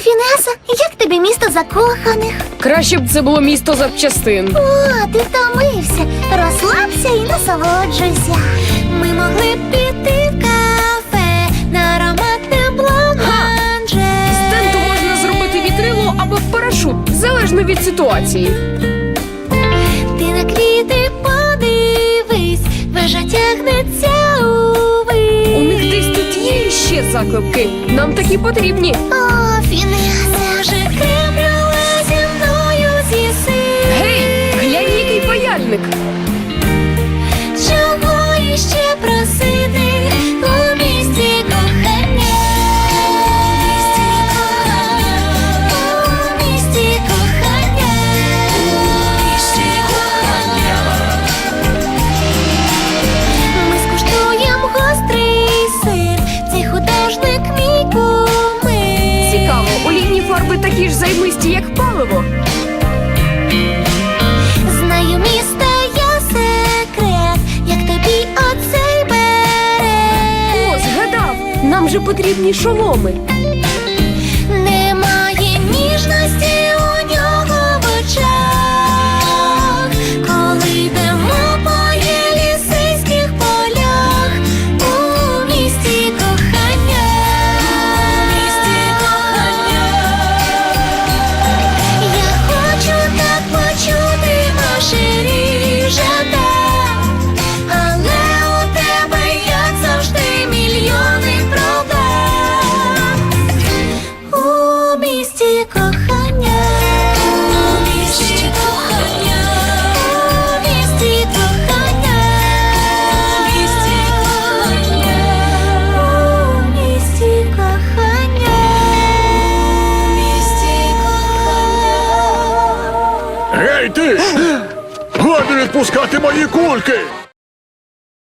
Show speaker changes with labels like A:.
A: Фінеса, як тобі місто закоханих?
B: Краще б це було місто запчастин.
A: О, ти втомився. Розслабся і насолоджуйся. Ми могли б піти в кафе на ароматне бланманже.
B: З тенту можна зробити вітрило або парашут, залежно від ситуації.
A: Ти на квіти подивись, вежа тягнеться увись.
B: У них десь тут є ще заклепки. Нам такі потрібні.
A: О, Фінеса, вже крем-брюле зі мною з'їси.
B: Гей, глянь, який паяльник.
A: Чого іще просити у місті кохання? У місті кохання. Ми скуштуємо гострий сир, цей художник мій кумир.
B: Цікаво, олійні фарби такі ж займисті, як паливо.
A: Знаю міста я секрет, як тобі оцей берег.
B: О, згадав, нам же потрібні шоломи.
A: Немає ніжності у нього в очах, коли йдемо по єлісейських полях у місті кохання. Я хочу так почути маширі жада, але у тебе, як завжди, мільйони проблем. У місті кохання. У місті кохання. У місті кохання. У місті кохання. У місті кохання. У місті кохання.
C: Гей, ти! Годі відпускати мої кульки!